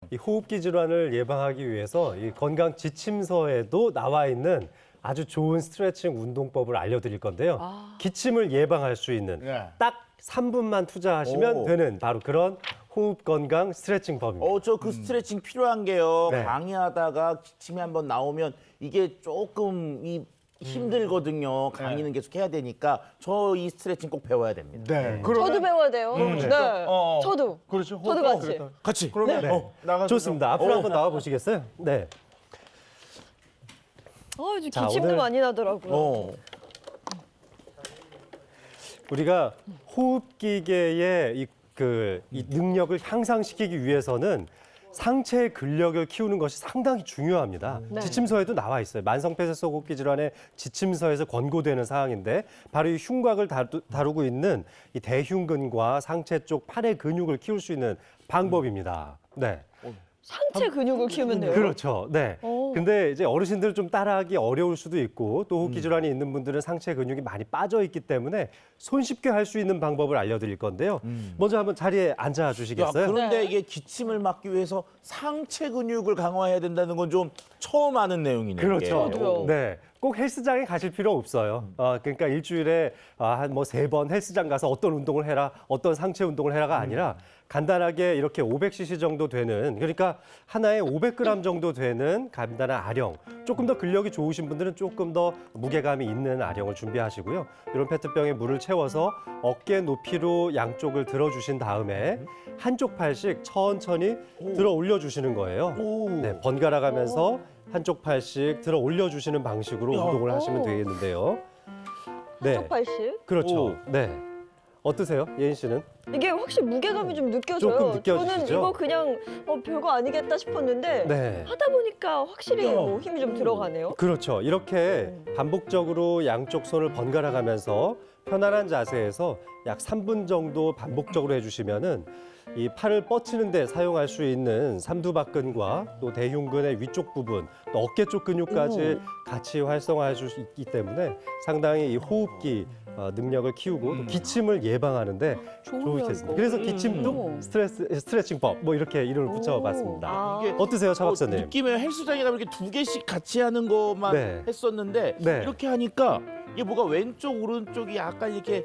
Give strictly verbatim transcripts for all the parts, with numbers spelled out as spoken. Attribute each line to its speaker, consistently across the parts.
Speaker 1: 이 호흡기 질환을 예방하기 위해서 이 건강 지침서에도 나와 있는 아주 좋은 스트레칭 운동법을 알려드릴 건데요.
Speaker 2: 아.
Speaker 1: 기침을 예방할 수 있는
Speaker 3: 네.
Speaker 1: 딱 삼 분만 투자하시면
Speaker 3: 오.
Speaker 1: 되는 바로 그런 호흡 건강 스트레칭 법입니다.
Speaker 3: 어, 저 그 스트레칭 필요한 게요.
Speaker 1: 네.
Speaker 3: 강의하다가 기침이 한번 나오면 이게 조금 이 힘들거든요. 강의는 계속 해야 되니까 저 이 스트레칭 꼭 배워야 됩니다.
Speaker 4: 네.
Speaker 2: 저도 배워야 돼요. 네.
Speaker 4: 어, 어.
Speaker 2: 저도.
Speaker 4: 그렇죠.
Speaker 2: 저도
Speaker 4: 어,
Speaker 2: 같이.
Speaker 4: 그랬다.
Speaker 3: 같이.
Speaker 4: 그러면
Speaker 1: 네.
Speaker 4: 어, 나가서
Speaker 1: 좋습니다. 앞으로 한번 나와 보시겠어요? 네.
Speaker 2: 아, 요즘
Speaker 1: 자,
Speaker 2: 기침도
Speaker 1: 오늘-
Speaker 2: 많이 나더라고요.
Speaker 3: 어.
Speaker 1: 우리가 호흡기계의 이, 그, 이 능력을 향상시키기 위해서는 상체의 근력을 키우는 것이 상당히 중요합니다.
Speaker 2: 네.
Speaker 1: 지침서에도 나와 있어요. 만성폐쇄성 호흡기 질환의 지침서에서 권고되는 사항인데 바로 이 흉곽을 다루, 다루고 있는 이 대흉근과 상체 쪽 팔의 근육을 키울 수 있는 방법입니다. 네.
Speaker 2: 상체 근육을 키우면 돼요.
Speaker 1: 그렇죠. 네.
Speaker 2: 오.
Speaker 1: 근데 이제 어르신들은 좀 따라하기 어려울 수도 있고 또 호흡기 질환이 있는 분들은 상체 근육이 많이 빠져 있기 때문에 손쉽게 할 수 있는 방법을 알려드릴 건데요. 먼저 한번 자리에 앉아
Speaker 3: 야,
Speaker 1: 주시겠어요?
Speaker 3: 그런데
Speaker 2: 네.
Speaker 3: 이게 기침을 막기 위해서 상체 근육을 강화해야 된다는 건 좀 처음 아는 내용이네요.
Speaker 1: 그렇죠.
Speaker 3: 이게.
Speaker 2: 저도요.
Speaker 1: 네. 꼭 헬스장에 가실 필요 없어요. 어, 그러니까 일주일에 한 뭐 세 번 헬스장 가서 어떤 운동을 해라, 어떤 상체 운동을 해라가 아니라 간단하게 이렇게 오백 씨씨 정도 되는, 그러니까 하나에 오백 그램 정도 되는 간단한 아령. 조금 더 근력이 좋으신 분들은 조금 더 무게감이 있는 아령을 준비하시고요. 이런 페트병에 물을 채워서 어깨 높이로 양쪽을 들어주신 다음에 한쪽 팔씩 천천히 들어 올려주시는 거예요.
Speaker 3: 오.
Speaker 1: 네, 번갈아 가면서 한쪽 팔씩 들어 올려주시는 방식으로
Speaker 3: 야.
Speaker 1: 운동을 하시면
Speaker 2: 오.
Speaker 1: 되겠는데요. 네,
Speaker 2: 한쪽 팔씩.
Speaker 1: 그렇죠.
Speaker 3: 오.
Speaker 1: 네, 어떠세요, 예인 씨는?
Speaker 2: 이게 확실히 무게감이 좀 느껴져요.
Speaker 1: 조금 느껴지시죠?
Speaker 2: 저는 이거 그냥 어, 별거 아니겠다 싶었는데
Speaker 1: 네,
Speaker 2: 하다 보니까 확실히 뭐 힘이 좀 들어가네요.
Speaker 1: 그렇죠. 이렇게 반복적으로 양쪽 손을 번갈아 가면서 편안한 자세에서 약 삼 분 정도 반복적으로 해주시면은 이 팔을 뻗치는 데 사용할 수 있는 삼두박근과 또 대흉근의 위쪽 부분, 또 어깨 쪽 근육까지 같이 활성화해 줄 수 있기 때문에 상당히 이 호흡기 어, 능력을 키우고 또 기침을 예방하는데 좋겠습니다. 그래서 기침도 스트레스, 스트레칭법 뭐 이렇게 이름을 붙여봤습니다.
Speaker 2: 아.
Speaker 3: 이게
Speaker 1: 어떠세요, 차
Speaker 3: 어,
Speaker 1: 박사님?
Speaker 3: 느낌에 헬스장에 가면 이렇게 두 개씩 같이 하는 것만
Speaker 1: 네.
Speaker 3: 했었는데
Speaker 1: 네.
Speaker 3: 이렇게 하니까 이게 뭐가 왼쪽 오른쪽이 약간 이렇게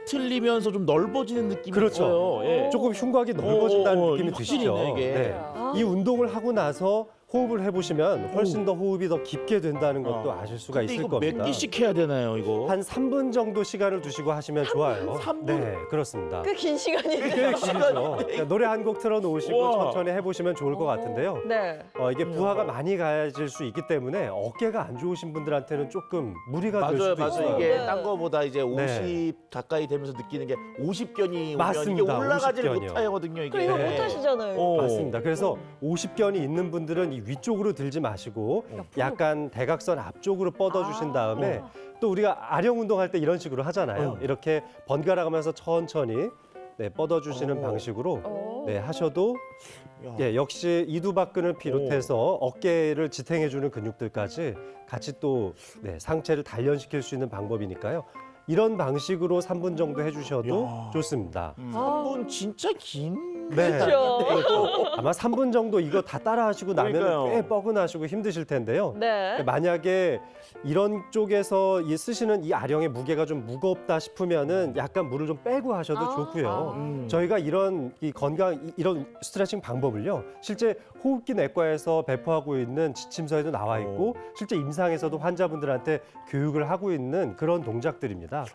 Speaker 3: 뒤틀리면서 좀 넓어지는 느낌이
Speaker 1: 그렇죠.
Speaker 3: 있어요. 예.
Speaker 1: 조금 흉곽이 넓어진다는
Speaker 3: 어, 어,
Speaker 1: 느낌이
Speaker 3: 확실히네,
Speaker 1: 드시죠?
Speaker 3: 이게.
Speaker 2: 아.
Speaker 1: 이 운동을 하고 나서 호흡을 해보시면 훨씬 더 호흡이 더 깊게 된다는 것도
Speaker 3: 어.
Speaker 1: 아실 수가
Speaker 3: 근데
Speaker 1: 있을
Speaker 3: 이거
Speaker 1: 겁니다.
Speaker 3: 몇 개씩 해야 되나요, 이거?
Speaker 1: 한 삼 분 정도 시간을 두시고 하시면 좋아요.
Speaker 3: 삼 분?
Speaker 1: 네, 그렇습니다.
Speaker 2: 꽤 긴 시간이네요.
Speaker 1: 꽤 길죠. 그러니까 노래 한 곡 틀어놓으시고
Speaker 3: 우와.
Speaker 1: 천천히 해보시면 좋을 것 같은데요.
Speaker 2: 네.
Speaker 1: 어, 이게 부하가 많이 가해질 수 있기 때문에 어깨가 안 좋으신 분들한테는 조금 무리가 될
Speaker 3: 맞아요,
Speaker 1: 수도
Speaker 3: 맞아요.
Speaker 1: 있어요.
Speaker 3: 이게
Speaker 2: 네.
Speaker 3: 딴 거보다 이제
Speaker 1: 네.
Speaker 3: 오십 가까이 되면서 느끼는 게 오십 견이 오면
Speaker 1: 맞습니다.
Speaker 3: 이게 올라가지를
Speaker 1: 오십 견이요.
Speaker 3: 못하거든요, 이게.
Speaker 2: 그럼 이거
Speaker 1: 네.
Speaker 2: 못 하시잖아요.
Speaker 3: 어.
Speaker 1: 맞습니다. 그래서 오십 견이 있는 분들은 이 위쪽으로 들지 마시고 약간 대각선 앞쪽으로 뻗어주신 다음에 또 우리가 아령 운동할 때 이런 식으로 하잖아요. 이렇게 번갈아 가면서 천천히 네, 뻗어주시는
Speaker 3: 어.
Speaker 1: 방식으로
Speaker 2: 어.
Speaker 1: 네, 하셔도
Speaker 3: 야.
Speaker 1: 예, 역시 이두박근을 비롯해서 어깨를 지탱해주는 근육들까지 같이 또 네, 상체를 단련시킬 수 있는 방법이니까요. 이런 방식으로 삼 분 정도 해주셔도
Speaker 3: 야.
Speaker 1: 좋습니다.
Speaker 3: 한 분 진짜 긴.
Speaker 1: 네.
Speaker 2: 그렇죠.
Speaker 1: 아마 삼 분 정도 이거 다 따라하시고 나면
Speaker 3: 그러니까요.
Speaker 1: 꽤 뻐근하시고 힘드실 텐데요.
Speaker 2: 네.
Speaker 1: 만약에 이런 쪽에서 이 쓰시는 이 아령의 무게가 좀 무겁다 싶으면은 약간 물을 좀 빼고 하셔도
Speaker 2: 아,
Speaker 1: 좋고요.
Speaker 2: 아.
Speaker 3: 음.
Speaker 1: 저희가 이런 이 건강 이- 이런 스트레칭 방법을요. 실제 호흡기 내과에서 배포하고 있는 지침서에도 나와 있고 실제 임상에서도 환자분들한테 교육을 하고 있는 그런 동작들입니다.